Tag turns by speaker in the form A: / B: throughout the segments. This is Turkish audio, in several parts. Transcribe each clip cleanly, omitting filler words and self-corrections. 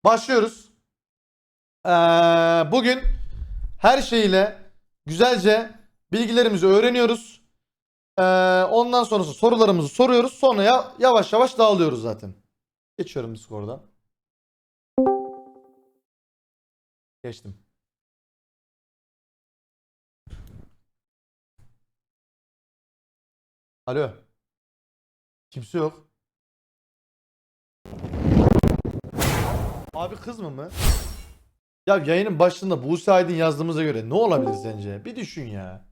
A: Başlıyoruz. Bugün her şeyle güzelce bilgilerimizi öğreniyoruz. Ondan sonrası sorularımızı soruyoruz. Sonra yavaş yavaş dağılıyoruz zaten. Geçiyorum Discord'a. Geçtim. Alo. Kimse yok. Abi kız mı? Ya yayının başında Buse Aydın yazdığımıza göre ne olabilir sence? Bir düşün ya.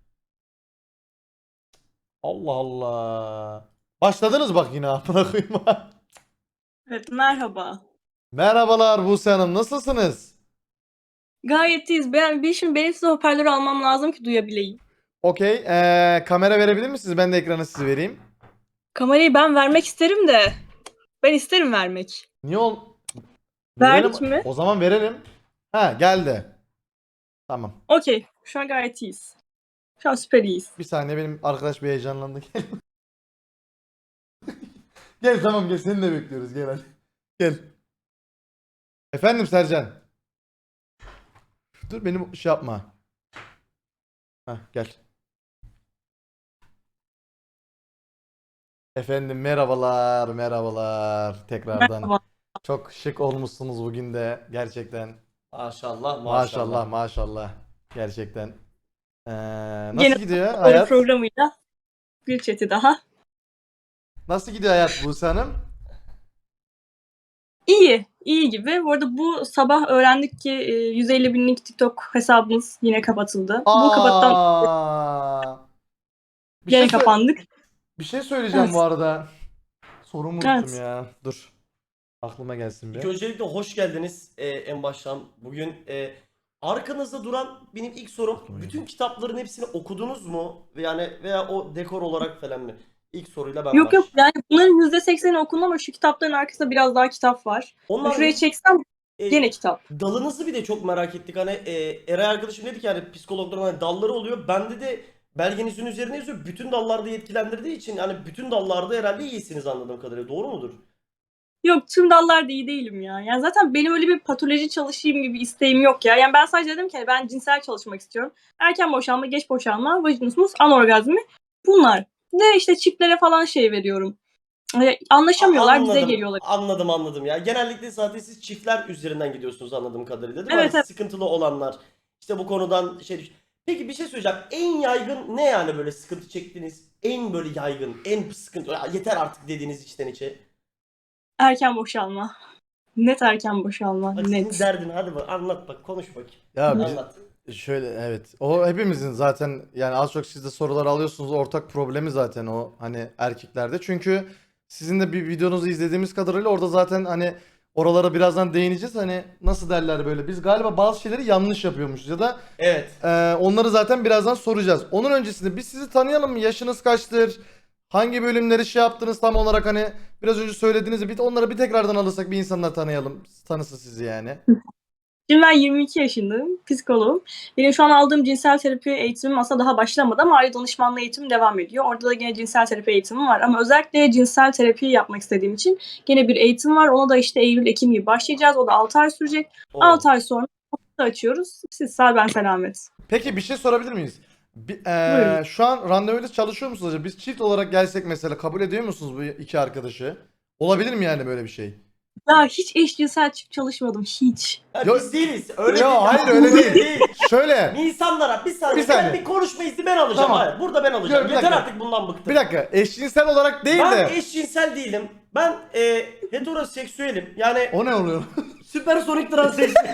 A: Allah Allah. Başladınız bak yine amına koyayım.
B: Evet, merhaba.
A: Merhabalar Buse Hanım, nasılsınız?
B: Gayet iyiyiz. Şimdi benim size hoparlörü almam lazım ki duyabileyim.
A: Okey. Kamera verebilir misiniz? Ben de ekranı size vereyim.
B: Kamerayı ben vermek isterim de. Ben isterim vermek.
A: Niye ol? Verelim.
B: Verdik mi?
A: O zaman verelim. Ha geldi. Tamam.
B: Okey. Şu an gayet iyiyiz. Şu an süper iyiyiz.
A: Bir saniye benim arkadaş bir heyecanlandı. Gel. Gel tamam gel seni de bekliyoruz gel hadi. Gel. Efendim Sercan. Dur benim şey yapma. Hah gel. Efendim merhabalar merhabalar tekrardan.
B: Merhaba.
A: Çok şık olmuşsunuz bugün de gerçekten.
C: Maşallah
A: Maşallah maşallah. Gerçekten.
B: Gene
A: Nasıl gidiyor
B: oyun
A: hayat?
B: programıyla bir chat'i daha.
A: Nasıl gidiyor hayat Buse Hanım?
B: İyi. İyi gibi. Bu arada bu sabah öğrendik ki 150 binlik TikTok hesabımız yine kapatıldı. Bu kapattan
A: Aa. Bir
B: gene
A: şey
B: kapandık.
A: bir şey söyleyeceğim
B: Evet.
A: bu arada. Sorumu unuttum
B: Evet.
A: ya. Dur. Aklıma gelsin
C: İlk
A: bir.
C: öncelikle hoş geldiniz en baştan. Bugün arkanızda duran benim ilk sorum, bütün kitapların hepsini okudunuz mu? Veya o dekor olarak falan mı? İlk soruyla ben
B: Yok
C: baş.
B: yani bunların %80'i okundu ama şu kitapların arkasında biraz daha kitap var.
C: Onlar
B: Şurayı çeksem
C: e,
B: gene kitap.
C: dalınızı bir de çok merak ettik. Hani Eray arkadaşım dedi ki hani psikologların hani dalları oluyor. Bende de belgenizin üzerine yazıyor. Bütün dallarda yetkilendirdiği için hani bütün dallarda herhalde iyisiniz anladığım kadarıyla. Doğru mudur?
B: Yok tüm dallarda iyi değilim ya. Yani zaten benim öyle bir patoloji çalışayım gibi isteğim yok ya. Yani ben sadece dedim ki hani ben cinsel çalışmak istiyorum. Erken boşalma, geç boşalma, vajinismus, anorgazmi bunlar. De işte çiftlere falan şey veriyorum. Anlaşamıyorlar bize
C: Anladım,
B: geliyorlar.
C: anladım ya. Genellikle zaten siz çiftler üzerinden gidiyorsunuz anladığım kadarıyla değil mi? Hani
B: Evet evet.
C: sıkıntılı olanlar işte bu konudan şey. Peki bir şey söyleyeceğim. En yaygın ne yani böyle sıkıntı çektiğiniz? En böyle yaygın, en sıkıntı. Ya yeter artık dediğiniz içten içe.
B: Erken boşalma. Net erken boşalma.
C: Hadi senin
B: Net.
C: derdin hadi bak anlat bak konuş bakayım.
A: Ya
C: Anlat.
A: şöyle evet. O hepimizin zaten yani az çok siz de sorular alıyorsunuz. Ortak problemi zaten o hani erkeklerde. Çünkü sizin de bir videonuzu izlediğimiz kadarıyla orada zaten hani oralara birazdan değineceğiz. Hani nasıl derler böyle. Biz galiba bazı şeyleri yanlış yapıyormuşuz ya da
C: Evet.
A: onları zaten birazdan soracağız. Onun öncesinde biz sizi tanıyalım mı? Yaşınız kaçtır? Hangi bölümleri şey yaptınız tam olarak hani biraz önce söylediğinizi bir onları bir tekrardan alırsak bir insanlar tanıyalım. Tanısın sizi yani.
B: Şimdi ben 22 yaşındayım, psikoloğum. Benim şu an aldığım cinsel terapi eğitimim aslında daha başlamadı ama aile danışmanlığı eğitimim devam ediyor. Orada da gene cinsel terapi eğitimim var ama özellikle cinsel terapi yapmak istediğim için gene bir eğitim var. Ona da işte Eylül-Ekim gibi başlayacağız. O da 6 ay sürecek.
C: O.
B: 6 ay sonra açıyoruz. Siz sağ ben selamet.
A: Peki bir şey sorabilir miyiz?
B: Buyurun.
A: Şu an randevuyla çalışıyor musunuz acaba? Biz çift olarak gelsek mesela kabul ediyor musunuz bu iki arkadaşı? Olabilir mi yani böyle bir şey?
B: Daha hiç eşcinsel çift çalışmadım. Hiç.
C: Ya
A: Yo-
C: biz değiliz. Öyle
A: Yo,
C: değil.
A: hayır, öyle değil. Şöyle
C: İnsanlara bir saniye,
A: Bir saniye.
C: ben bir konuşma izni ben alacağım.
A: Tamam.
C: Hayır, burada ben alacağım.
A: Gör, bir
C: Yeter
A: dakika.
C: artık bundan bıktım.
A: bir dakika eşcinsel olarak değil
C: Ben
A: de
C: eşcinsel değilim. Ben heteroseksüelim. Yani
A: o ne oluyor?
C: süpersonik transseksüel.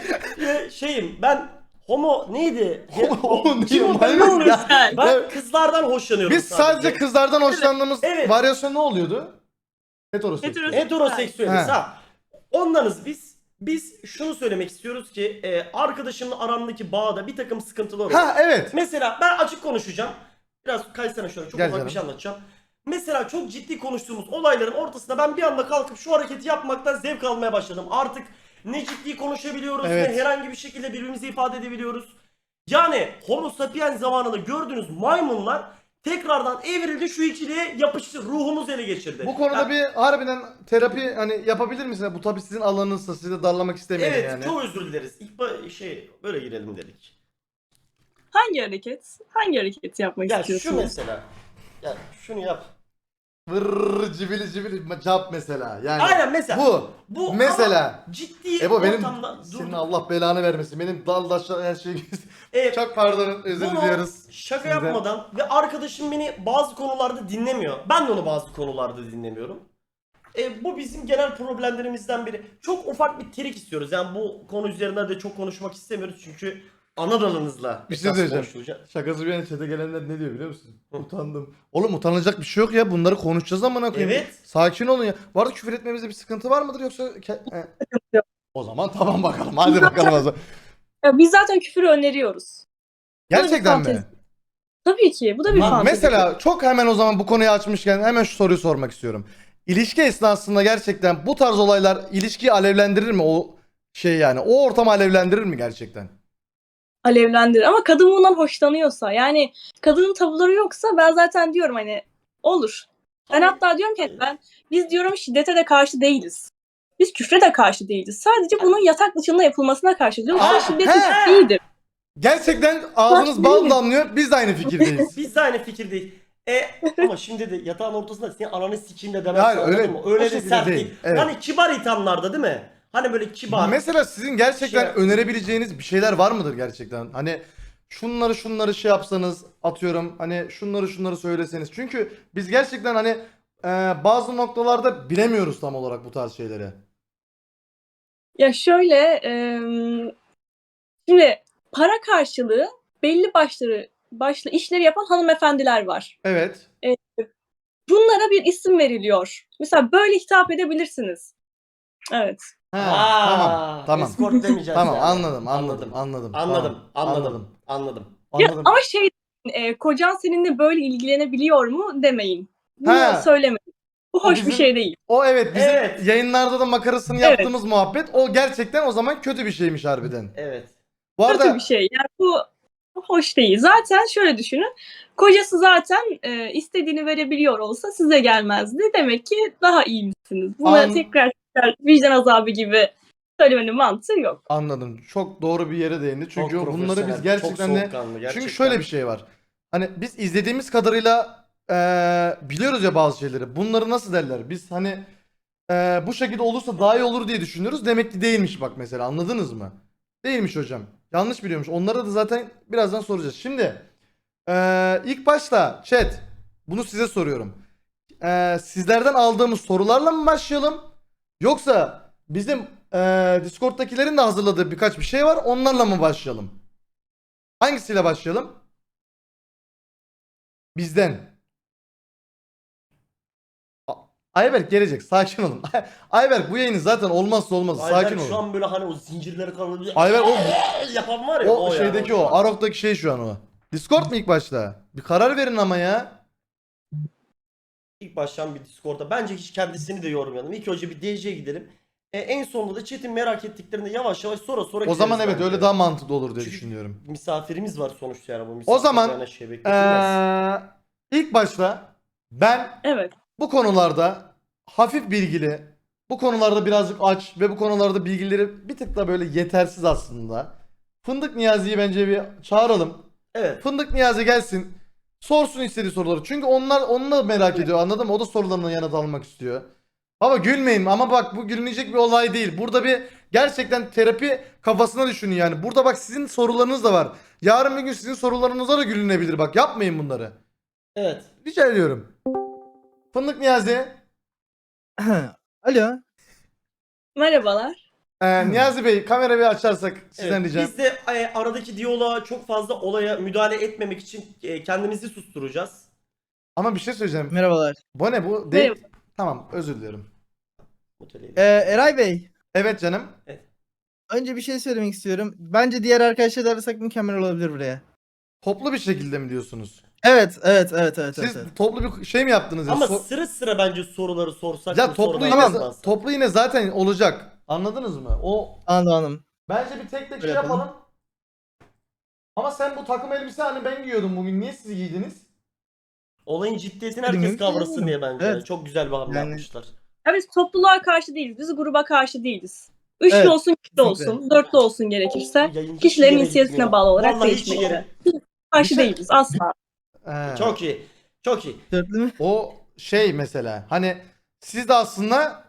C: Şeyim ben homo neydi?
A: Homo
C: Kim
A: değil,
C: o? Ben,
A: manyak ya.
B: Sen.
C: ben kızlardan hoşlanıyorum
A: Biz sadece kızlardan hoşlandığımız
C: Evet.
A: varyasyon ne oluyordu? Heteroseksüel.
C: Heteroseksüeliz
A: He.
C: ha. Ondanız biz. Biz şunu söylemek istiyoruz ki arkadaşımla aramdaki bağda bir takım sıkıntılar var.
A: Ha evet.
C: Mesela ben açık konuşacağım. Biraz kaysana şöyle çok
A: Gel
C: ufak
A: canım.
C: bir şey anlatacağım. Mesela çok ciddi konuştuğumuz olayların ortasında ben bir anda kalkıp şu hareketi yapmaktan zevk almaya başladım. Artık ne ciddi konuşabiliyoruz
A: Evet.
C: ne herhangi bir şekilde birbirimizi ifade edebiliyoruz. Yani Homo sapiens zamanında gördüğünüz maymunlar tekrardan evrildi, şu ikiliye yapıştı. Ruhumuz ele geçirdi.
A: Bu konuda
C: Ya,
A: bir harbiden terapi hani yapabilir misin? Bu tabii sizin alanınızsa, sizi de darlamak istemeyin
C: evet,
A: yani.
C: çok özür dileriz. Böyle girelim dedik.
B: Hangi hareket? Hangi hareketi yapmak
C: Ya
B: istiyorsunuz?
C: şu mesela. Ya şunu yap.
A: Vırrrr cibili cibili cevap mesela. Yani
C: Aynen mesela.
A: bu mesela.
C: ama ciddi
A: Ebo benim
C: ortamda
A: senin Allah belanı vermesin. Benim dal daşla her şey
C: Evet,
A: çok pardon, özür
C: bunu
A: diliyoruz.
C: şaka
A: sizden.
C: yapmadan ve arkadaşım beni bazı konularda dinlemiyor. Ben de onu bazı konularda dinlemiyorum. Bu bizim genel problemlerimizden biri. Çok ufak bir trik istiyoruz. Yani bu konu üzerinde de çok konuşmak istemiyoruz çünkü ana dalınızla
A: Bir şey
C: esas
A: söyleyeceğim.
C: konuşulacak.
A: Şakası bir yana chat'e gelenler ne diyor biliyor musun? Utandım. Oğlum utanılacak bir şey yok ya. Bunları konuşacağız amına koyayım.
C: Evet.
A: Sakin olun ya. Bu arada küfür etmemizde bir sıkıntı var mıdır yoksa
B: yok.
A: O zaman tamam bakalım. Hadi bakalım o zaman.
B: Ya biz zaten küfürü öneriyoruz.
A: Gerçekten mi?
B: fantezi. Tabii ki. Bu da bir
C: Lan
B: fantezi.
A: Mesela çok hemen o zaman bu konuyu açmışken hemen şu soruyu sormak istiyorum. İlişki esnasında gerçekten bu tarz olaylar ilişkiyi alevlendirir mi? O şey yani o ortamı alevlendirir mi gerçekten?
B: Alevlendirir. Ama kadın bundan hoşlanıyorsa, yani kadının tavırları yoksa ben zaten diyorum hani olur. Ben hatta diyorum ki biz diyorum şiddete de karşı değiliz. Biz küfre de karşı değiliz. Sadece bunun yatak dışında yapılmasına karşı diyorum.
A: Aa,
B: Şiddet
A: he.
B: iyidir.
A: Gerçekten ağzınız bal damlıyor. Biz de aynı fikirdeyiz.
C: Biz de aynı fikirdeyiz. Ama şimdi de yatağın ortasında senin ananı sikeyim de demezsin,
A: Hayır,
C: anladın
A: öyle-
C: mı?
A: o
C: Öyle de
A: şekilde
C: sert
A: değil,
C: değil.
A: evet.
C: Hani kibar ithamlarda değil mi? Hani böyle kibar.
A: Mesela sizin gerçekten
C: Şey-
A: önerebileceğiniz bir şeyler var mıdır gerçekten? Hani şunları şey yapsanız atıyorum hani şunları söyleseniz. Çünkü biz gerçekten hani bazı noktalarda bilemiyoruz tam olarak bu tarz şeyleri.
B: Ya şöyle şimdi para karşılığı belli başlı işleri yapan hanımefendiler var.
A: Evet.
B: Bunlara bir isim veriliyor. Mesela böyle hitap edebilirsiniz. Evet.
A: Ha, tamam.
C: Escort demeyeceğiz
A: Tamam
C: yani.
A: anladım.
C: Anladım.
A: Tamam,
B: Ya,
A: anladım.
B: ama kocan seninle böyle ilgilenebiliyor mu demeyin. Bunu
A: Ha.
B: söylemeyin. Bu hoş bir
A: bizim-
B: şey değil.
A: O evet bizim
C: Evet.
A: yayınlarda da makarasını
B: Evet.
A: yaptığımız muhabbet o gerçekten o zaman kötü bir şeymiş harbiden.
C: Evet.
A: Bu
B: Kötü
A: arada
B: bir şey. Yani bu hoş değil. Zaten şöyle düşünün. Kocası zaten istediğini verebiliyor olsa size gelmezdi. Demek ki daha iyi misiniz? Buna tekrar vicdan azabı gibi söylemenin mantığı yok.
A: anladım. Çok doğru bir yere değindi. Çünkü
C: Çok
A: bunları biz
C: profesyonel,
A: gerçekten
C: çok
A: de
C: soğukkanlı, gerçekten.
A: çünkü şöyle bir şey var. Hani biz izlediğimiz kadarıyla biliyoruz ya bazı şeyleri. Bunları nasıl derler? Biz hani bu şekilde olursa daha iyi olur diye düşünüyoruz. Demek ki değilmiş bak mesela. Anladınız mı? Değilmiş hocam. Yanlış biliyormuş. Onlara da zaten birazdan soracağız. Şimdi ilk başta chat bunu size soruyorum. Sizlerden aldığımız sorularla mı başlayalım? Yoksa bizim Discord'dakilerin de hazırladığı birkaç bir şey var. Onlarla mı başlayalım? Hangisiyle başlayalım? Bizden. Ayberk gelecek. Sakin olun. Ayberk bu yayının zaten olmazsa olmazı. Sakin
C: Ayberk
A: olun.
C: şu an böyle hani o zincirleri kırılıyor.
A: Ayberk
C: yapan var ya.
A: o
C: yani,
A: şeydeki
C: şu
A: o.
C: an.
A: Arok'taki şey şu an o. Discord mu ilk başta? Bir karar verin ama ya.
C: İlk baştan bir Discord'a. Bence hiç kendisini de yormayalım. İlk önce bir DC'ye gidelim. En sonunda da chat'in merak ettiklerini yavaş yavaş sonra
A: O zaman
C: gideriz
A: evet
C: bence.
A: öyle daha mantıklı olur diye
C: Çünkü
A: düşünüyorum.
C: misafirimiz var sonuçta yani bu
A: O zaman
C: misafirlerine şey bekletilmez.
A: ilk başta ben
B: Evet.
A: bu konularda hafif bilgili, bu konularda birazcık aç ve bu konularda bilgileri bir tık da böyle yetersiz aslında. Fındık Niyazi'yi bence bir çağıralım.
C: Evet.
A: Fındık Niyazi gelsin. Sorsun istediği soruları. Çünkü onu da merak ediyor, anladın mı? O da sorularına yanıt almak istiyor. Baba gülmeyin ama bak bu gülünecek bir olay değil. Burada bir gerçekten terapi kafasına düşünün yani. Burada bak sizin sorularınız da var. Yarın bir gün sizin sorularınıza da gülünebilir bak. Yapmayın bunları.
C: Evet.
A: Rica ediyorum. Fındık Niyazi.
D: Alo.
B: Merhabalar.
A: Niyazi Bey kamera bir açarsak sizden
C: Evet,
A: ricam.
C: biz de aradaki diyaloğa çok fazla olaya müdahale etmemek için kendimizi susturacağız.
A: Ama bir şey söyleyeceğim.
D: Merhabalar.
A: Bu ne bu? Değil.
B: Merhaba.
A: Tamam özür diliyorum.
D: Eray Bey.
A: Evet canım.
D: Önce bir şey söylemek istiyorum. Bence diğer arkadaşları da arasak mükemmel olabilir buraya.
A: Toplu bir şekilde mi diyorsunuz?
D: Evet.
A: Siz toplu bir şey mi yaptınız ya?
C: Ama sıra sıra bence soruları sorsak.
A: Ya
C: bu
A: toplu
C: sorudan
A: yine,
C: yazmazsak.
A: toplu yine zaten olacak. Anladınız mı? O
D: Anladım.
A: bence bir tek şey
D: Öyle yapalım.
A: yapalım. Ama sen bu takım elbise hani ben giyiyordum bugün. Niye siz giydiniz?
C: Olayın ciddiyetini herkes kavrasın diye bence.
D: Evet.
C: Çok güzel bir hamle
D: Yani-
C: yapmışlar.
B: Ya biz topluluğa karşı değiliz. Biz gruba karşı değiliz. Üçlü
D: Evet,
B: olsun, çiftli
D: kesinlikle.
B: olsun, dörtlü olsun gerekirse.
C: Yayın hiç
B: Kişilerin
C: yere
B: inisiyatifine
C: gitmiyor.
B: bağlı olarak
C: Vallahi hiç
B: değişmekte.
C: yere-
B: Karşı
A: Bir şey-
B: değiliz asla.
C: Çok iyi. Çok iyi.
D: Dörtlü mü?
A: O şey mesela hani siz de aslında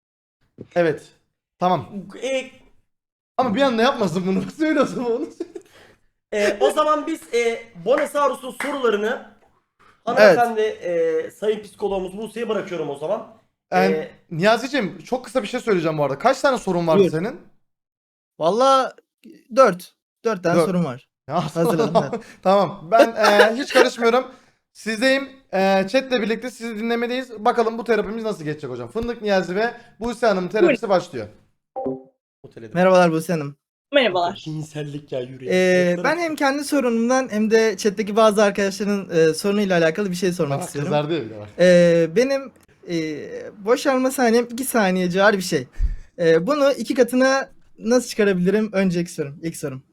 A: evet tamam
C: E,
A: ama bir anda yapmasın bunu. Söyle o zaman onu.
C: o zaman biz Bonesaurus'un sorularını hanımefendi sayın psikologumuz Buse'ye bırakıyorum o zaman.
A: Yani, Niyazi'cim çok kısa bir şey söyleyeceğim bu arada. Kaç tane sorun vardı
D: Buyur.
A: senin?
D: Valla 4. 4 tane
A: Dört.
D: sorun var.
A: Ya,
D: Hazırladım ben.
A: Tamam ben hiç karışmıyorum. Sizdeyim. Chatle birlikte sizi dinlemedeyiz. Bakalım bu terapimiz nasıl geçecek hocam. Fındık Niyazi ve Buse Hanım'ın terapisi başlıyor.
C: Oteledim.
D: Merhabalar Buse Hanım.
B: Merhabalar.
C: Cinsellik ya yürü.
D: Ben hem kendi sorunumdan hem de chat'teki bazı arkadaşların sorunuyla alakalı bir şey sormak
A: Bak
D: istiyorum.
A: kızardı ya bir de bak.
D: Benim boşalma saniyem 2 saniye civarı bir şey. Bunu 2 katına nasıl çıkarabilirim? Önceki sorum. İlk sorum.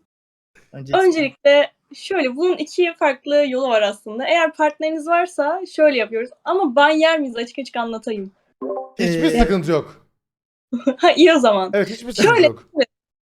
B: Öncelikle şöyle bunun iki farklı yolu var aslında. Eğer partneriniz varsa şöyle yapıyoruz. Ama ban yer miyiz açık açık anlatayım.
A: Hiçbir sıkıntı yok.
B: Ha iyi o zaman.
A: Evet hiçbir sıkıntı
B: Şöyle-
A: yok.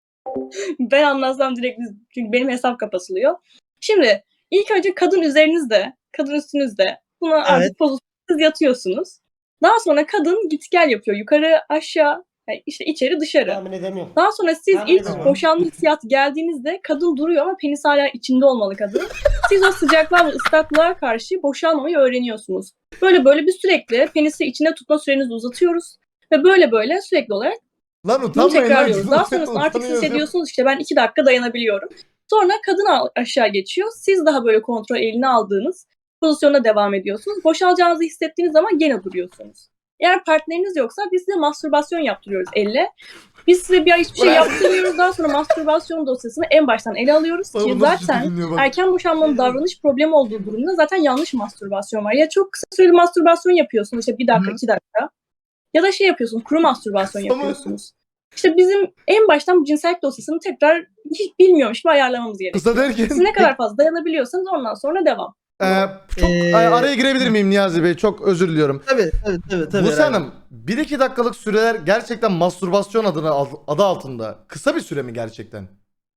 B: Ben anlatsam direkt çünkü benim hesap kapatılıyor. Şimdi ilk önce kadın üzerinizde, kadın üstünüzde. Buna
D: Evet.
B: artık pozisyonsuz yatıyorsunuz. Daha sonra kadın git gel yapıyor. Yukarı aşağı, yani işte içeri dışarı.
C: Tahmin edemiyorum.
B: Daha sonra siz
C: Tahmin
B: ilk
C: edemiyorum.
B: boşanma hissiyatı geldiğinizde kadın duruyor ama penis hala içinde olmalı kadın. Siz o sıcaklığa ve ıslaklığa karşı boşalmamayı öğreniyorsunuz. Böyle böyle bir sürekli penisi içinde tutma sürenizi uzatıyoruz. Ve böyle böyle sürekli olarak
A: Lan
B: bunu
A: utanmayın lan.
B: tekrarlıyoruz. Daha sonrasında artık siz
A: Utanıyoruz ya.
B: hissediyorsunuz işte ben 2 dakika dayanabiliyorum. Sonra kadın aşağı geçiyor. Siz daha böyle kontrol eline aldığınız pozisyona devam ediyorsunuz. Boşalacağınızı hissettiğiniz zaman gene duruyorsunuz. Eğer partneriniz yoksa biz size mastürbasyon yaptırıyoruz elle. Biz size bir ay hiçbir şey yaptırmıyoruz. Daha sonra mastürbasyon dosyasını en baştan ele alıyoruz
A: Bak
B: ki
A: bu nasıl
B: zaten
A: ciddi dinliyor bak.
B: erken boşanmanın davranış problemi olduğu durumda zaten yanlış mastürbasyon var. Ya çok kısa süreli mastürbasyon yapıyorsunuz işte 1 dakika
D: Hı.
B: 2 dakika. Ya da şey yapıyorsunuz kuru mastürbasyon
A: Ama-
B: yapıyorsunuz. İşte bizim en baştan bu cinsellik dosyasını tekrar hiç bilmiyormuş gibi ayarlamamız gerekiyor.
A: Kısa derken
B: Siz ne kadar fazla dayanabiliyorsanız ondan sonra devam.
A: çok
D: Ee,
A: araya girebilir miyim Niyazi Bey? Çok özür diliyorum.
D: Tabii.
A: Buse
D: herhalde.
A: Hanım 1-2 dakikalık süreler gerçekten mastürbasyon adı altında. Kısa bir süre mi gerçekten?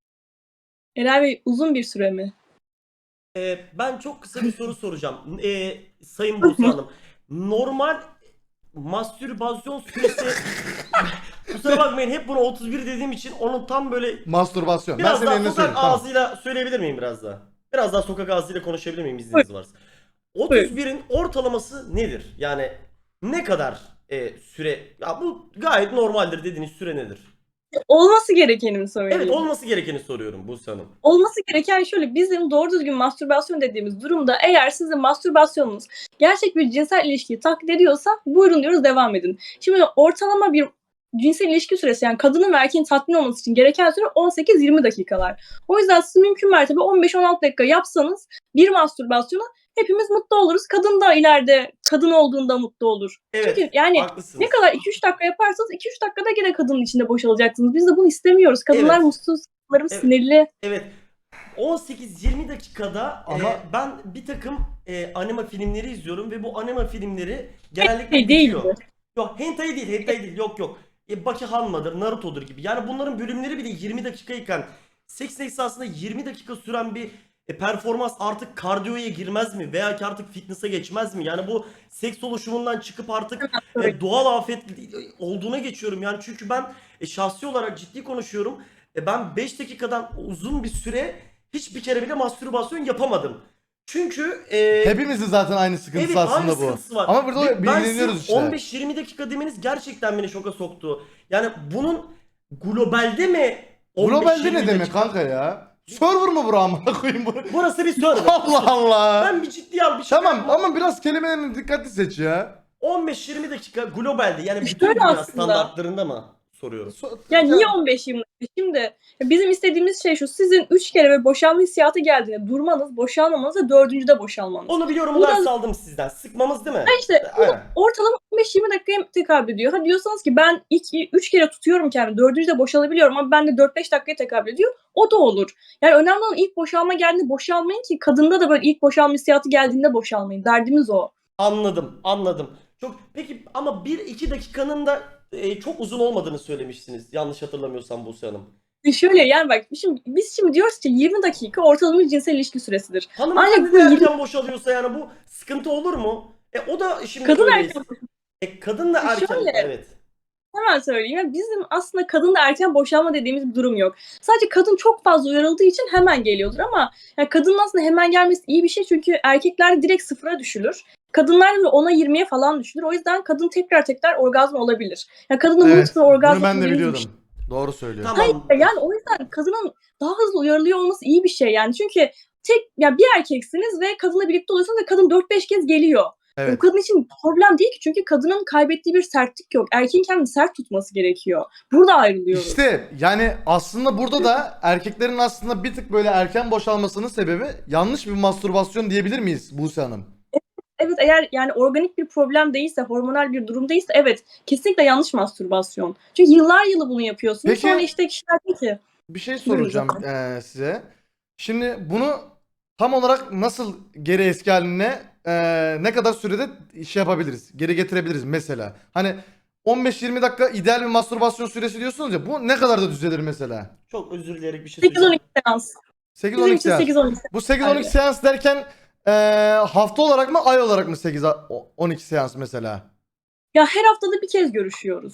B: Eray Bey uzun bir süre mi?
C: Ben çok kısa bir soru soracağım. Sayın Buse Hanım. Normal mastürbasyon süresi kusura bakmayın hep bunu 31 dediğim için onun tam böyle
A: Mastürbasyon. Ben
C: biraz
A: senin
C: daha
A: eline
C: sokak
A: söyleyeyim. Tamam.
C: ağzıyla söyleyebilir miyim biraz daha? Biraz daha sokak ağzıyla konuşabilir miyim izniniz varsa? 31'in ortalaması nedir? Yani ne kadar süre? Ya bu gayet normaldir dediğiniz süre nedir?
B: Olması gerekeni mi söyleyeyim?
C: Evet olması gerekeni soruyorum Buse Hanım.
B: Olması gereken şöyle bizim doğru düzgün mastürbasyon dediğimiz durumda eğer sizin mastürbasyonunuz gerçek bir cinsel ilişkiyi taklit ediyorsa buyurun diyoruz devam edin. Şimdi ortalama bir cinsel ilişki süresi yani kadının ve erkeğin tatmin olması için gereken süre 18-20 dakikalar. O yüzden siz mümkün mertebe 15-16 dakika yapsanız bir mastürbasyona hepimiz mutlu oluruz. Kadın da ileride kadın olduğunda mutlu olur.
C: Evet
B: Çünkü yani
C: haklısınız.
B: ne kadar 2-3 dakika yaparsanız 2-3 dakikada gene kadının içinde boşalacaksınız. Biz de bunu istemiyoruz. Kadınlar
C: Evet.
B: mutsuz, kadınlarımız
C: Evet.
B: sinirli.
C: Evet. 18-20 dakikada
A: Ama-
C: ben bir takım anime filmleri izliyorum ve bu anime filmleri genellikle
B: Hentai değil
C: bitiyor.
B: mi?
C: Yok hentai değil yok. Bakuhan'madır, Naruto'dur gibi. Yani bunların bölümleri bile 20 dakikayken seks esasında 20 dakika süren bir performans artık kardiyoya girmez mi? Veya ki artık fitness'a geçmez mi? Yani bu seks oluşumundan çıkıp artık doğal afet olduğuna geçiyorum. Yani çünkü ben şahsi olarak ciddi konuşuyorum. Ben 5 dakikadan uzun bir süre hiçbir kere bile mastürbasyon yapamadım. Çünkü
A: Hepimizin zaten aynı sıkıntısı
C: evet, aynı
A: aslında bu.
C: sıkıntısı var.
A: Ama burada
C: Ve
A: bilgileniyoruz
C: sırf
A: işte.
C: 15-20 dakika demeniz gerçekten beni şoka soktu. Yani bunun globalde mi 15-20
A: Globalde ne demek
C: dakika?
A: kanka ya? Server mı bura amına koyayım bunu?
C: Burası bir server.
A: Allah Allah.
C: Ben bir ciddi al bir şey
A: Tamam
C: yapmam.
A: ama biraz kelimelerini dikkatli seç ya.
C: 15-20 dakika globalde yani bütün
B: Şöyle
C: dünya
B: aslında.
C: standartlarında mı? soruyorum.
B: Ya niye 15-20 dakika? Şimdi bizim istediğimiz şey şu. Sizin 3 kere ve boşanma hissiyatı geldiğinde durmanız, boşalmamanız ve 4. de boşalmanız.
C: Onu biliyorum,
B: Bu
C: bu
B: da-
C: ders aldım sizden. Sıkmamız değil mi?
B: İşte bu
C: Aynen.
B: ortalama 15-20 dakikaya tekabül ediyor. Ha diyorsanız ki ben 3 kere tutuyorum kendimi, 4. de boşalabiliyorum ama ben de 4-5 dakikaya tekabül ediyor. O da olur. Yani önemli olan ilk boşalma geldiğinde boşalmayın ki kadında da böyle ilk boşalma hissiyatı geldiğinde boşalmayın. Derdimiz o.
C: Anladım. Peki ama 1-2 dakikanın da çok uzun olmadığını söylemişsiniz. Yanlış hatırlamıyorsam Buse Hanım.
B: Şöyle yani bak biz şimdi diyoruz ki 20 dakika ortalama bir cinsel ilişki süresidir.
C: Hanımefendi
B: Ancak
C: de
B: bu
C: erken boşalıyorsa yani bu sıkıntı olur mu? O da şimdi
B: Kadın
C: öyle.
B: erken
C: Kadın da erken.
B: Şöyle.
C: Evet.
B: Hemen söyleyeyim. Yani bizim aslında kadında erken boşanma dediğimiz bir durum yok. Sadece kadın çok fazla uyarıldığı için hemen geliyordur ama yani kadının aslında hemen gelmesi iyi bir şey çünkü erkekler direkt sıfıra düşülür. Kadınlar da 10'a 20'ye falan düşülür. O yüzden kadın tekrar orgazm olabilir. Yani kadının
A: Evet.
B: multiple orgazm
A: Bunu ben de
B: dediğimiz bir
A: biliyordum. Doğru söylüyor.
C: Tamam.
B: Yani o yüzden kadının daha hızlı uyarılıyor olması iyi bir şey yani. Çünkü bir erkeksiniz ve kadınla birlikte oluyorsunuz ve kadın 4-5 kez geliyor.
A: Evet.
B: O kadın için problem değil ki çünkü kadının kaybettiği bir sertlik yok. Erkeğin kendini sert tutması gerekiyor. Burada ayrılıyoruz.
A: İşte yani aslında burada da erkeklerin aslında bir tık böyle erken boşalmasının sebebi yanlış bir mastürbasyon diyebilir miyiz Buse Hanım?
B: Evet eğer yani organik bir problem değilse, hormonal bir durum değilse evet kesinlikle yanlış mastürbasyon. Çünkü yıllar yılı bunu yapıyorsunuz.
A: Peki-
B: Sonra işte kişiler diyor ki
A: Bir şey soracağım size. Şimdi bunu tam olarak nasıl geri eski haline ne kadar sürede şey yapabiliriz? Geri getirebiliriz mesela. Hani 15-20 dakika ideal bir mastürbasyon süresi diyorsunuz ya. Bu ne kadar da düzelir mesela?
C: Çok özür dileyerek bir şey söyleyeceğim.
B: 8-12 seans. Bizim
A: 8-12
B: için
A: seans.
B: 8-12
A: Bu 8-12
B: Aynen.
A: seans derken hafta olarak mı ay olarak mı 8-12 seans mesela?
B: Ya her haftada bir kez görüşüyoruz.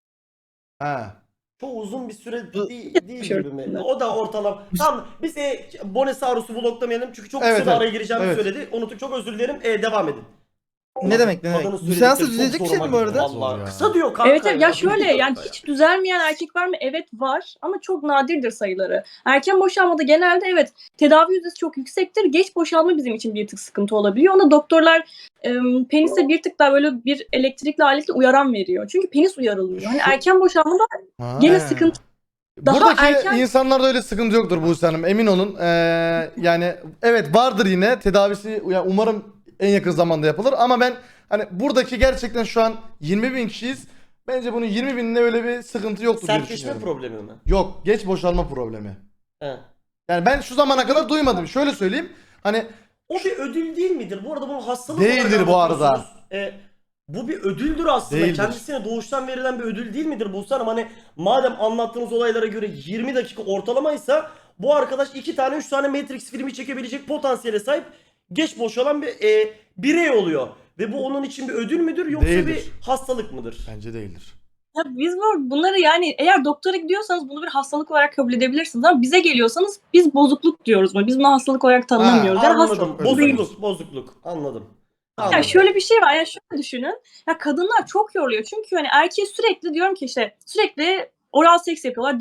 A: Ha.
C: Çok uzun bir süre
D: Bu-
C: değil gibi mi? O da ortalama. Tamam biz Bonesaurus'u bloklamayalım çünkü çok
A: Evet,
C: kısa
A: evet.
C: araya gireceğimi
A: Evet.
C: söyledi. Unuttuk, çok özür dilerim. Devam edin.
D: Ne demek?
C: Kadının
D: Bu
C: söyledikleri
D: seansı
C: çok
D: düzelecek bir şey mi
C: zoruma
D: bu
C: gidiyor
D: arada?
C: vallahi.
A: Zor ya.
C: Kısa diyor kanka.
B: Evet ya şöyle
C: Bir
B: yani
C: dakika
B: hiç düzelmeyen erkek var mı? Evet var ama çok nadirdir sayıları. Erken boşanmada genelde evet tedavi yüzdesi çok yüksektir. Geç boşalma bizim için bir tık sıkıntı olabiliyor. Ona doktorlar penise bir tık daha böyle bir elektrikli aletle uyaran veriyor. Çünkü penis uyarılmıyor. Hani erken boşalmada
A: Ha.
B: gene sıkıntı. Daha
A: Buradaki
B: erken-
A: insanlarda öyle sıkıntı yoktur Buse Hanım, emin olun. Yani evet vardır yine tedavisi, yani umarım en yakın zamanda yapılır ama ben hani buradaki gerçekten şu an 20.000 kişiyiz. Bence bunun 20.000'inde öyle bir sıkıntı yoktur diye
C: Sertleşme
A: düşünüyorum.
C: problemi mi?
A: Yok, geç boşalma problemi.
C: He.
A: Yani ben şu zamana kadar duymadım. Şöyle söyleyeyim. Hani
C: O bir ödül değil midir? Bu arada bunu hastalık
A: Değildir
C: olarak
A: bu arada.
C: anlatıyorsunuz. Bu bir ödüldür aslında.
A: Değildir.
C: Kendisine doğuştan verilen bir ödül değil midir Buse Hanım? Hani madem anlattığınız olaylara göre 20 dakika ortalamaysa bu arkadaş 2 tane 3 tane Matrix filmi çekebilecek potansiyele sahip geç boşalan bir birey oluyor. Ve bu onun için bir ödül müdür yoksa
A: Değildir.
C: bir hastalık mıdır?
A: bence değildir.
B: Ya biz bunları yani eğer doktora gidiyorsanız bunu bir hastalık olarak kabul edebilirsiniz ama bize geliyorsanız biz bozukluk diyoruz. Biz bunu hastalık olarak tanımlamıyoruz. Yani
C: Anladım.
A: Bozukluk.
C: Bozukluk. Anladım.
B: Ya
C: Anladım.
B: şöyle bir şey var. Ya şöyle düşünün. Ya kadınlar çok yoruluyor. Çünkü hani erkeğe sürekli diyorum ki işte sürekli oral seks yapıyorlar.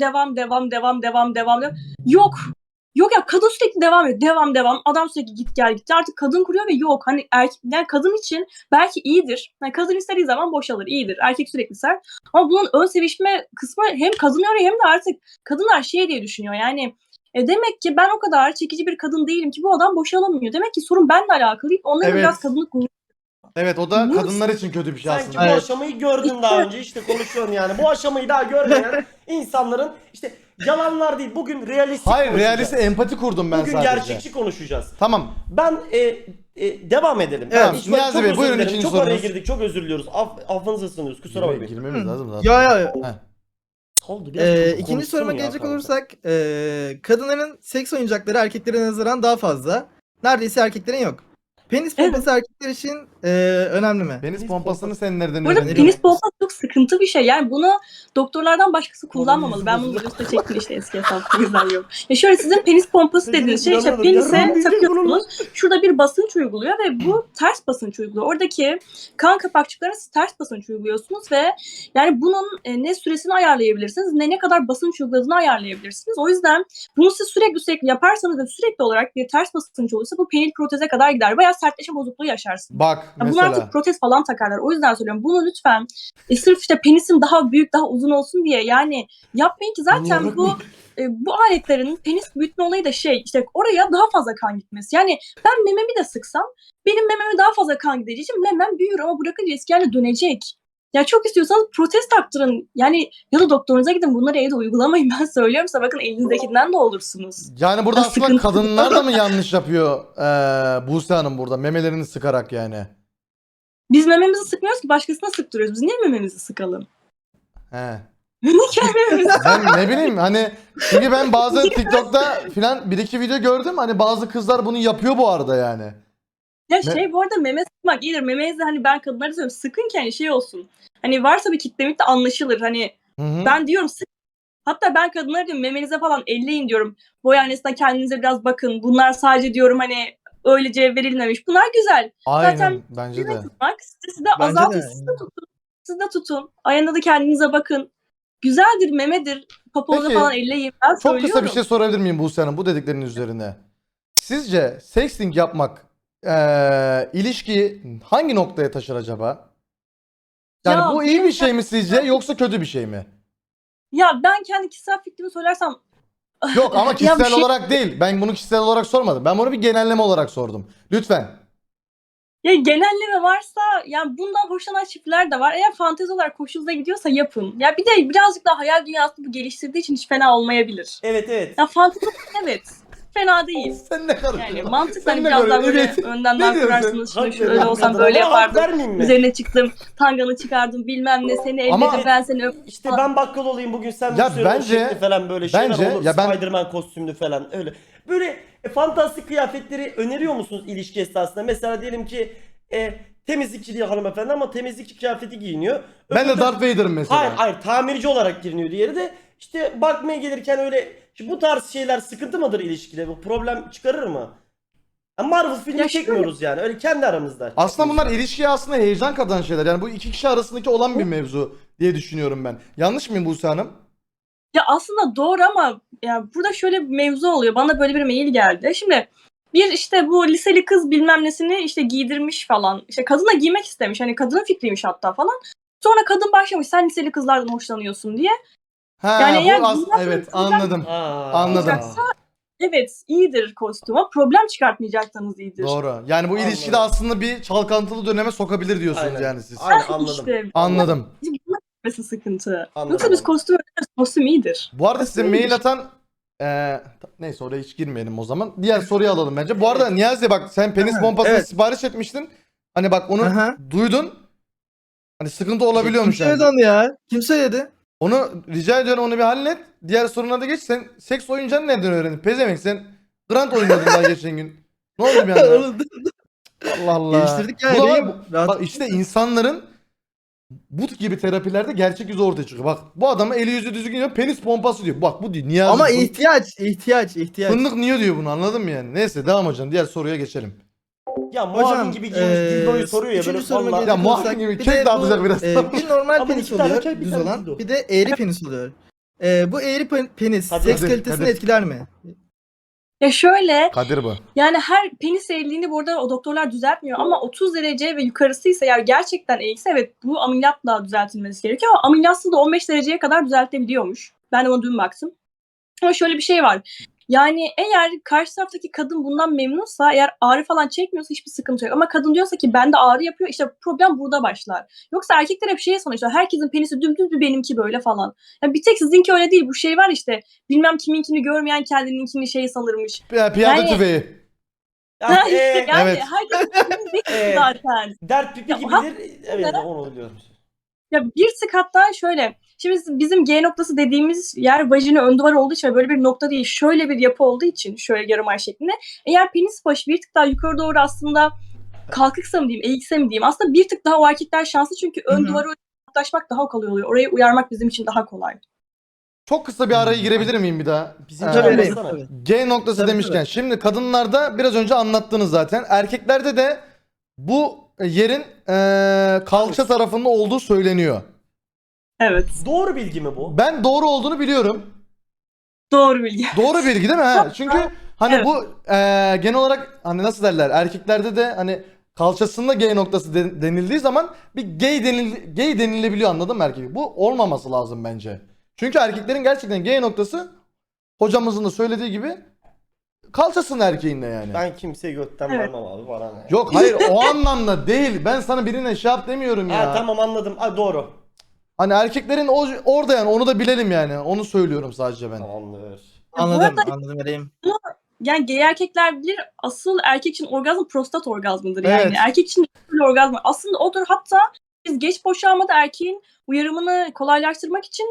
B: Devam. Yok. Yok ya kadın sürekli devam ediyor. Devam. Adam sürekli git gel. Artık kadın kuruyor ve yok. Hani yani kadın için belki iyidir. Yani kadın istediği zaman boşalır. İyidir. Erkek sürekli ser. Ama bunun ön sevişme kısmı hem kadın yoruyor hem de artık kadınlar şey diye düşünüyor. Yani demek ki ben o kadar çekici bir kadın değilim ki bu adam boşalamıyor. Demek ki sorun benimle alakalı değil. Onların
A: Evet.
B: biraz kadınlık
A: Evet, o da
B: Bu-
A: kadınlar için kötü bir şey
C: Sanki
A: aslında.
C: bu aşamayı gördün daha önce, işte konuşuyorum yani. Bu aşamayı daha görmeyen insanların işte yalanlar değil. Bugün realistik
A: Hayır,
C: konuşacağız.
A: realist empati kurdum ben
C: Bugün
A: sadece.
C: gerçekçi konuşacağız.
A: Tamam.
C: Ben devam edelim.
A: Evet,
C: Hiç-
A: Niyazi
C: çok
A: Bey,
C: özür
A: buyurun
C: dilerim.
A: ikinci
C: Çok araya
A: sorunuz.
C: girdik. Çok özür diliyoruz. Affınıza sığınıyoruz. Kusura bakmayın.
A: Girmemiz lazım zaten.
D: Ya.
A: Heh.
C: Oldu, biraz çocuk
D: İkinci
C: konuşsun
D: soruma
C: ya
D: gelecek
C: kanka.
D: olursak kadınların seks oyuncakları erkeklere nazaran daha fazla. Neredeyse erkeklerin yok. Penis pompası erkekler için önemli mi?
A: Penis pompasını sen nereden
B: Bu arada
A: öğrendin?
B: penis pompası çok sıkıntı bir şey. Yani bunu doktorlardan başkası kullanmamalı.
C: yüzü
B: Ben bunu
C: bozuluyor.
B: videoda çektim işte eski hesaplarımızdan yok. Ya şöyle sizin penis pompası
C: Peki,
B: dediğiniz şey işte
C: inanamadım. Yarın
B: penise
C: diyecek
B: takıyorsunuz. Şurada bir basınç uyguluyor ve bu ters basınç uyguluyor. Oradaki kan kapakçıklarına siz ters basınç uyguluyorsunuz ve yani bunun ne süresini ayarlayabilirsiniz ne kadar basınç uyguladığını ayarlayabilirsiniz. O yüzden bunu siz sürekli yaparsanız ve sürekli olarak bir ters basınç olursa bu penil proteze kadar gider. Bayağı sertleşme bozukluğu yaşarsınız.
A: Bak,
B: Bunlar
A: mesela.
B: artık protez falan takarlar. O yüzden söylüyorum. Bunu lütfen sırf işte penisim daha büyük, daha uzun olsun diye yani yapmayın ki zaten bu aletlerin penis büyütme olayı da işte oraya daha fazla kan gitmesi. Yani ben mememi de sıksam benim mememe daha fazla kan gideceği için memem büyür ama bırakınca eski haline dönecek. Ya çok istiyorsanız protez taktırın. Yani ya da doktorunuza gidin. Bunları evde uygulamayın. Ben söylüyorum size, bakın elinizdekinden de olursunuz.
A: Yani burada
B: Ya
A: aslında
B: sıkıntı-
A: kadınlar da mı yanlış yapıyor Buse Hanım burada memelerini sıkarak yani?
B: Biz mememizi sıkmıyoruz ki, başkasına sıktırıyoruz. Biz niye mememizi sıkalım?
A: He.
B: Niye mememizi
A: Ben ne bileyim hani çünkü ben bazı TikTok'ta filan bir iki video gördüm hani bazı kızlar bunu yapıyor bu arada yani.
B: Ya bu arada meme sıkmak iyidir. Memenizi hani ben kadınlara diyorum sıkın ki hani olsun. Hani varsa bir kitlemik de anlaşılır. Hani
A: Hı.
B: ben diyorum sık. Hatta ben kadınlara diyorum memenize falan elleyin diyorum. Boy aynasına kendinize biraz bakın. Bunlar sadece diyorum hani öylece verilmemiş. Bunlar güzel.
A: Aynen
B: Zaten
A: bence de.
B: tutmak sizi de
D: Bence
B: azaltın.
D: de.
B: Siz de tutun. Siz de tutun. Aynada da kendinize bakın. Güzeldir, memedir. Papuğunuzu
A: Peki,
B: falan elleyin. Ben
A: Çok
B: söylüyorum.
A: kısa bir şey sorabilir miyim Buse Hanım bu dediklerinin üzerine? Sizce sexting yapmak ilişkiyi hangi noktaya taşır acaba? Yani
B: Ya
A: bu iyi
B: benim-
A: bir şey mi sizce yoksa kötü bir şey mi?
B: Ya ben kendi kişisel fikrimi söylersem
A: Yok ama
B: Ya
A: kişisel
B: bir şey-
A: olarak değil. Ben bunu kişisel olarak sormadım. Ben bunu bir genelleme olarak sordum. Lütfen.
B: ya genelleme varsa yani bundan hoşlanan çiftler de var. Eğer fantezi olarak hoşunuza gidiyorsa yapın. Ya bir de birazcık daha hayal dünyasını bu geliştirdiği için hiç fena olmayabilir.
C: Evet.
B: Ya fantezi evet. Fena değil.
A: Sen ne karışıyorsun?
B: Yani mantıkla
A: Sen ne
B: biraz daha böyle
A: karışıyorsun? Evet.
B: önden
A: Ne
B: daha
A: diyorsun?
B: kurarsınız. Şunu
C: Hak
B: şöyle
C: veriyorum
B: olsam
C: kadına.
B: böyle
C: Bana hak
B: yapardım.
C: vermeyeyim mi?
B: Üzerine çıktım. Tanganı çıkardım bilmem ne. Seni
A: Ama-
B: elledim ben seni öptüm.
C: İşte ben bakkal olayım bugün sen
A: Ya
C: müşteri ol
A: bence-
C: şekli falan böyle şeyler
A: bence-
C: olur.
A: ya ben-
C: Spider-Man kostümlü falan öyle. Böyle fantastik kıyafetleri öneriyor musunuz ilişki esnasında? Mesela diyelim ki temizlikçi diye hanımefendi ama temizlikçi kıyafeti giyiniyor.
A: Ben de
C: Öbürü
A: Darth Vader'ım mesela.
C: Hayır tamirci olarak giriniyor diğeri de işte bakmaya gelirken öyle şimdi bu tarz şeyler sıkıntı mıdır ilişkide? Bu problem çıkarır mı? Ya Marvel filmi
B: Ya şöyle-
C: çekmiyoruz yani öyle kendi aramızda.
A: Aslında bunlar ilişkiye aslında heyecan katan şeyler. Yani bu iki kişi arasındaki olan bir mevzu diye düşünüyorum ben. Yanlış mıyım Buse Hanım?
B: Ya aslında doğru ama ya burada şöyle bir mevzu oluyor. Bana böyle bir mail geldi. Şimdi bir işte bu liseli kız bilmem nesini işte giydirmiş falan. İşte kadın da giymek istemiş. Hani kadının fikriymiş hatta falan. Sonra kadın başlamış sen liseli kızlardan hoşlanıyorsun diye.
A: Ha
B: Yani eğer
A: bu
B: bundan
A: evet
B: sonra-
A: anladım. Anladım.
B: Evet iyidir kostüm ama problem çıkartmayacaksanız iyidir.
A: Doğru. Yani bu
C: Anladım.
A: ilişkide aslında bir çalkantılı döneme sokabilir diyorsunuz
C: Aynen.
A: yani siz.
C: Aynen anladım.
B: İşte
A: Anladım.
B: bunun sıkıntı.
C: Anladım.
B: Yoksa biz kostüm iyidir.
A: Bu arada size
B: Kostüm
A: mail
B: iyidir.
A: atan neyse oraya hiç girmeyelim o zaman. Diğer soruyu alalım bence. Bu arada Niyazi bak sen penis
D: Ha,
A: pompasını
D: evet.
A: sipariş etmiştin. Hani bak onu
D: Aha.
A: duydun. Hani sıkıntı
D: Kim
A: olabiliyormuş yani.
D: söyledi onu ya? Kim söyledi?
A: Onu rica ediyorum onu bir hallet. Diğer soruna da geç. Sen seks oyuncağını nereden öğrendin? Pezevenk sen Grant oynuyordun daha geçen gün. Ne oldu bir anda?
D: Oğlum,
A: Allah Allah.
D: Geliştirdik ya,
A: Bu da
D: Ereğim.
A: bak,
D: Rahat-
A: bak işte insanların bu gibi terapilerde gerçek yüzü ortaya çıkıyor. Bak bu adama eli yüzü düzgün diyor. Penis pompası diyor. Bak bu diyor. Niyazi.
D: Ama
A: fın-
D: ihtiyaç.
A: Fındık niye diyor bunu anladın mı yani? Neyse devam hocam. Diğer soruya geçelim.
C: Ya muavin
D: Hocam,
C: gibi giymiş dildoyu soruyor ya böyle
D: üçüncü soruma
C: vallahi.
A: Ya
D: gelecek
A: muavin
D: olursak,
A: gibi
D: bir
A: kek
D: de
A: dağıtacak
D: bu,
A: biraz.
D: Bir normal
C: Ama
D: penis
C: iki tane
D: oluyor,
C: çay, bir
D: düz
C: tane
D: olan.
C: dildo.
D: Bir de eğri penis oluyor. Bu eğri penis
C: Hadi,
D: seks
A: hadi,
D: kalitesini
A: hadi.
D: etkiler mi?
B: Ya şöyle
A: Kadir bu.
B: yani her penis eğriliğini burada o doktorlar düzeltmiyor ama 30 derece ve yukarısıysa eğer gerçekten eğikse evet bu ameliyatla düzeltilmesi gerekiyor ama ameliyatsız da 15 dereceye kadar düzeltilebiliyormuş. Ben de ona dün baktım. Ama şöyle bir şey var. Yani eğer karşı taraftaki kadın bundan memnunsa eğer ağrı falan çekmiyorsa hiçbir sıkıntı yok. Ama kadın diyorsa ki bende ağrı yapıyor işte problem burada başlar. Yoksa erkekler hep şey sanıyor işte herkesin penisi dümdüz bir benimki böyle falan. Yani bir tek sizinki öyle değil bu şey var işte bilmem kiminkini görmeyen kendininkini şey sanırmış.
A: Piyade
B: Yani-
A: tüfeği.
C: Ya,
B: Ha, işte yani
A: evet.
B: herkesin değil zaten.
C: dert pipi
B: Ya,
C: gibidir. Evet onu biliyorum.
B: Ya bir tık hatta şöyle. Şimdi bizim G noktası dediğimiz yer vajina ön duvar olduğu için ve böyle bir nokta değil. Şöyle bir yapı olduğu için şöyle yarım ay şeklinde. Eğer penis başı bir tık daha yukarı doğru aslında kalkıksa mı diyeyim, eğikse mi diyeyim. Aslında bir tık daha o erkekler şanslı çünkü ön
D: Hı hı.
B: duvara yaklaşmak daha kolay oluyor. Orayı uyarmak bizim için daha kolay.
A: Çok kısa bir araya girebilir miyim bir daha?
C: Bizim
A: Ee,
D: Tabii
C: Tabii,
D: Ereğim,
C: baksana.
D: tabii.
A: G noktası
D: Tabii,
A: demişken
D: tabii.
A: şimdi kadınlarda biraz önce anlattınız zaten. Erkeklerde de bu yerin kalça tarafında olduğu söyleniyor.
B: Evet.
C: Doğru bilgi mi bu?
A: Ben doğru olduğunu biliyorum.
B: Doğru bilgi.
A: Doğru bilgi değil mi? Ha? Çünkü hani
B: Evet.
A: bu genel olarak hani nasıl derler erkeklerde de hani kalçasında G noktası denildiği zaman bir gay denilebiliyor, anladın mı erkek? Bu olmaması lazım bence. Çünkü erkeklerin gerçekten G noktası hocamızın da söylediği gibi kalçasında erkeğinde yani.
C: Ben kimseye götten
B: Evet.
C: vermem abi, bana ne?
A: Yok hayır, o anlamda değil. Ben sana birine şey yap demiyorum ya.
C: Ha tamam, anladım. Ha, doğru.
A: Hani erkeklerin orada yani, onu da bilelim yani. Onu söylüyorum sadece ben.
C: Tamamdır.
D: Anladım,
B: arada-
D: anladım vereyim.
B: Yani gay erkekler bilir, asıl erkek için orgazm prostat orgazmıdır yani.
A: Evet.
B: Erkek için bir orgazm aslında odur. Hatta biz geç boşalmada erkeğin uyarımını kolaylaştırmak için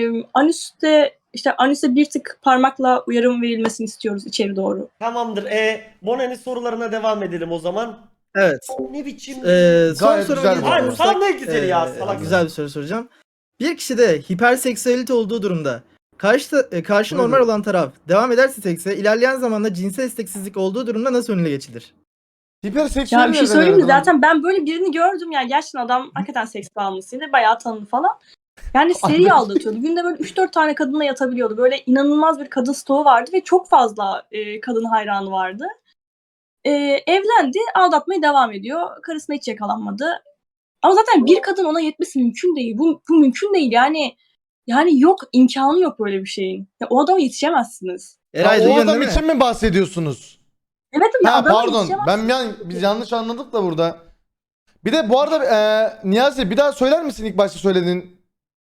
B: anüste bir tık parmakla uyarım verilmesini istiyoruz içeri doğru.
C: Tamamdır. Bonen'in sorularına devam edelim o zaman.
D: Evet.
C: Ne biçim?
D: Son
A: Gayet
D: soruma
A: güzel bir
D: gelecek
C: Aynen,
D: olursak,
C: sana ne güzeli ya, salak.
D: güzel bir soru soracağım. Bir kişide hiperseksüelite olduğu durumda karşı normal olan taraf devam ederse sekse, ilerleyen zamanda cinsel isteksizlik olduğu durumda nasıl önüne geçilir?
A: Hiperseksüel
B: Ya bir şey
A: nereden
B: söyleyeyim mi?
A: nereden?
B: Zaten ben böyle birini gördüm yani, gerçekten adam hakikaten seks bağımlısıydı. Bayağı tanıdı falan. Yani seri aldatıyordu. Günde böyle 3-4 tane kadınla yatabiliyordu. Böyle inanılmaz bir kadın stoğu vardı ve çok fazla kadın hayranı vardı. Evlendi, aldatmaya devam ediyor. Karısına hiç yakalanmadı. Ama zaten bir kadın ona yetmesi mümkün değil. Bu mümkün değil yani yok, imkanı yok böyle bir şeyin. Ya, o adama yetişemezsiniz.
D: Eray
A: Ha, o
D: duyuyorsun
A: adam
D: değil mi?
A: için mi bahsediyorsunuz?
B: Evet ya,
A: Ha
B: adama
A: pardon,
B: yetişemezsiniz.
A: biz yanlış anladık da burada. Bir de bu arada Niyazi, bir daha söyler misin ilk başta söylediğin?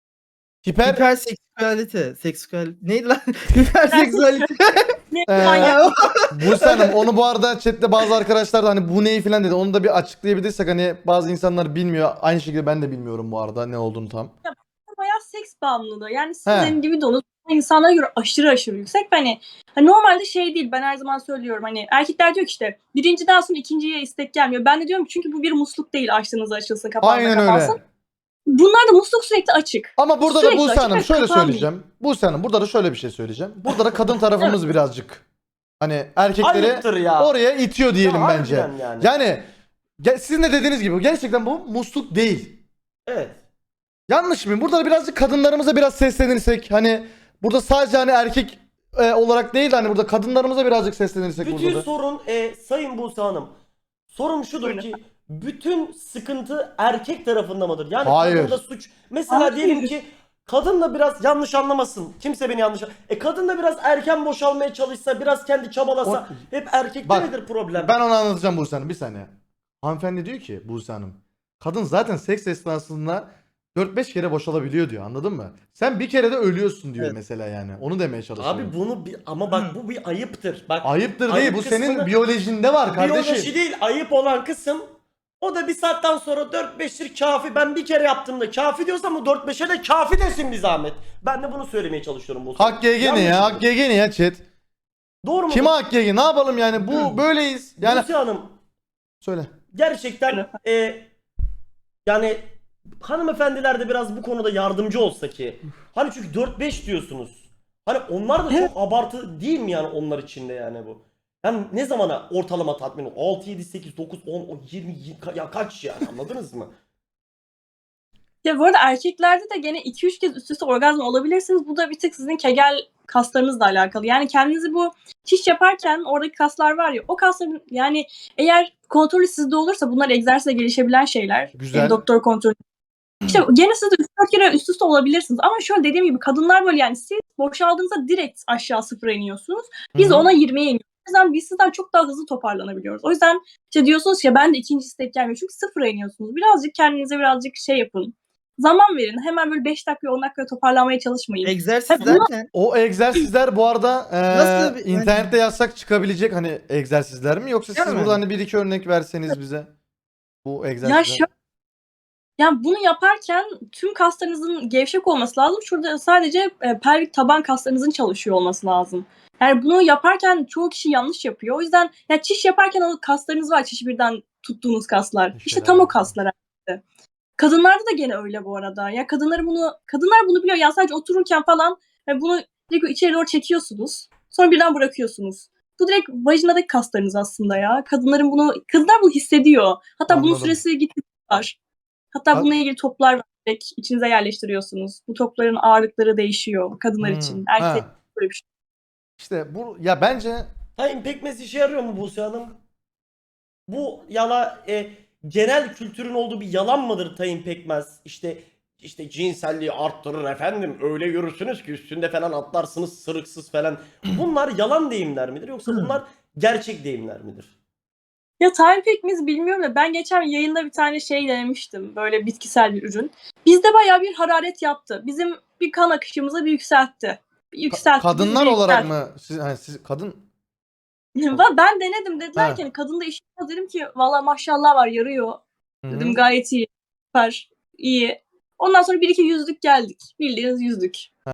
D: Hiperseksüelite, neydi lan? Hiperseksüelite.
B: Manyak.
A: Buse Hanım, onu bu arada chatte bazı arkadaşlar da hani bu neyi falan dedi. Onu da bir açıklayabilirsek, hani bazı insanlar bilmiyor. Aynı şekilde ben de bilmiyorum bu arada ne olduğunu tam.
B: Bayağı seks bağımlılığı. Yani
A: He.
B: sizin gibi de insanlara göre aşırı yüksek. Hani normalde şey değil, ben her zaman söylüyorum, hani erkekler diyor ki işte birinciden sonra ikinciye istek gelmiyor. Ben de diyorum ki çünkü bu bir musluk değil, açtığınızda açılsın, kapağında
A: Aynen
B: kapansın.
A: öyle.
B: Bunlar da musluk sürekli açık.
A: Ama burada da
B: Sürekli
A: Buse
B: açık
A: Hanım
B: ve
A: şöyle
B: kapanmıyor.
A: söyleyeceğim. Buse Hanım, burada da şöyle bir şey söyleyeceğim. Burada da kadın tarafımız birazcık hani erkekleri
C: Ayıptır ya.
A: oraya itiyor diyelim
C: Ya,
A: bence.
C: harbiden yani.
A: Yani sizin de dediğiniz gibi gerçekten bu musluk değil.
C: Evet.
A: Yanlış mıyım? Burada da birazcık kadınlarımıza biraz seslenirsek, hani burada sadece hani erkek olarak değil de hani burada kadınlarımıza birazcık seslenirsek
C: Bütün
A: burada da.
C: sorun Sayın Buse Hanım. Sorum şudur
B: Buyurun.
C: ki bütün sıkıntı erkek tarafında mıdır? Yani
A: Hayır.
C: kadında suç. Mesela
B: Hayır.
C: diyelim ki kadın da biraz, yanlış anlamasın. Kimse beni yanlış kadın da biraz erken boşalmaya çalışsa, biraz kendi çabalasa, hep erkekte
A: Bak,
C: nedir problem?
A: Ben onu anlatacağım Buse Hanım, bir saniye. Hanımefendi diyor ki, Buse Hanım, kadın zaten seks esnasında 4-5 kere boşalabiliyor diyor, anladın mı? Sen bir kere de ölüyorsun diyor
D: Evet.
A: mesela yani. Onu demeye çalışıyor.
C: Abi bunu ama bak, bu bir ayıptır. Bak,
A: Ayıptır
C: ayıp
A: değil, bu senin
C: kısmını-
A: biyolojinde var kardeşim.
C: biyoloji değil, ayıp olan kısım. O da bir saatten sonra 4-5'tir kafi. Ben bir kere yaptığımda kafi diyorsam o 4-5'e de kafi desin bir zahmet. Ben de bunu söylemeye çalışıyorum bu.
A: Hak GG ne ya? Hak GG ne ya chat?
C: Doğru mu?
A: Kime hak GG? Ne yapalım yani? Bu böyleyiz. Yani
C: Buse Hanım,
A: söyle.
C: gerçekten yani hanımefendiler de biraz bu konuda yardımcı olsa ki. Hani çünkü 4-5 diyorsunuz. Hani onlar da çok abartı değil mi yani onlar için de yani bu? Yani ne zamana ortalama tatmin 6, 7, 8, 9, 10, 20, ya kaç yani, anladınız mı?
B: Ya bu arada erkeklerde de gene 2-3 kez üst üste orgazm olabilirsiniz. Bu da bir tık sizin kegel kaslarınızla alakalı. Yani kendinizi bu çiş yaparken oradaki kaslar var ya, o kasların yani eğer kontrolü sizde olursa, bunlar egzersizle gelişebilen şeyler.
A: Güzel.
B: Doktor kontrolü. İşte gene siz de 3-4 kere üst üste olabilirsiniz. Ama şöyle dediğim gibi kadınlar böyle, yani siz boşaldığınızda direkt aşağı sıfıra iniyorsunuz. Biz
A: Hı hı.
B: ona 20'ye iniyoruz. O yüzden biz sizden çok daha hızlı toparlanabiliyoruz. O yüzden işte diyorsunuz ya, ben de ikinci istek gelmiyor. Çünkü sıfıra iniyorsunuz. Birazcık kendinize birazcık şey yapın. Zaman verin. Hemen böyle 5 dakika 10 dakikaya toparlanmaya çalışmayın.
D: Egzersiz
B: Tabii bunu-
D: derken
A: O egzersizler bu arada
D: Nasıl bir-
A: internette yazsak çıkabilecek hani egzersizler mi? Yoksa siz
D: Yani.
A: burada hani bir iki örnek verseniz bize bu
B: Ya
A: egzersizler.
B: yani bunu yaparken tüm kaslarınızın gevşek olması lazım. Şurada sadece pelvik taban kaslarınızın çalışıyor olması lazım. Yani bunu yaparken çoğu kişi yanlış yapıyor. O yüzden ya çiş yaparken o kaslarınız var. Çişi birden tuttuğunuz kaslar. İşte tam o kaslar. aslında. Kadınlarda da gene öyle bu arada. Ya kadınlar bunu biliyor. Yani sadece otururken falan bunu direkt içeri doğru çekiyorsunuz. Sonra birden bırakıyorsunuz. Bu direkt vajinadaki kaslarınız aslında ya. Kadınlar bunu hissediyor. Hatta bunun
A: Anladım.
B: süresi gittikçe var. Hatta bununla ilgili toplar var. Direkt içinize yerleştiriyorsunuz. Bu topların ağırlıkları değişiyor kadınlar için. Erkek
A: Ha.
B: böyle bir şey.
A: İşte bu ya bence
C: Hayır, pekmez işe yarıyor mu Buse Hanım? Bu genel kültürün olduğu bir yalan mıdır Tayin Pekmez? İşte cinselliği arttırır efendim. Öyle yürürsünüz ki üstünde falan atlarsınız sırıksız falan. Bunlar yalan deyimler midir yoksa bunlar gerçek deyimler midir?
B: Ya Time Pekmez bilmiyorum da ben geçen yayında bir tane şey denemiştim. Böyle bitkisel bir ürün. Bizde bayağı bir hararet yaptı. Bizim bir kan akışımıza bir yükseltti.
A: Kadınlar olarak mı? Siz kadın
B: Ben denedim, dediler
A: Ha.
B: ki hani kadında iş yok. Dedim ki valla maşallah var, yarıyor.
A: Hı hı.
B: Dedim gayet iyi. Süper. iyi. Ondan sonra bir iki yüzdük geldik. Bildiğiniz yüzdük.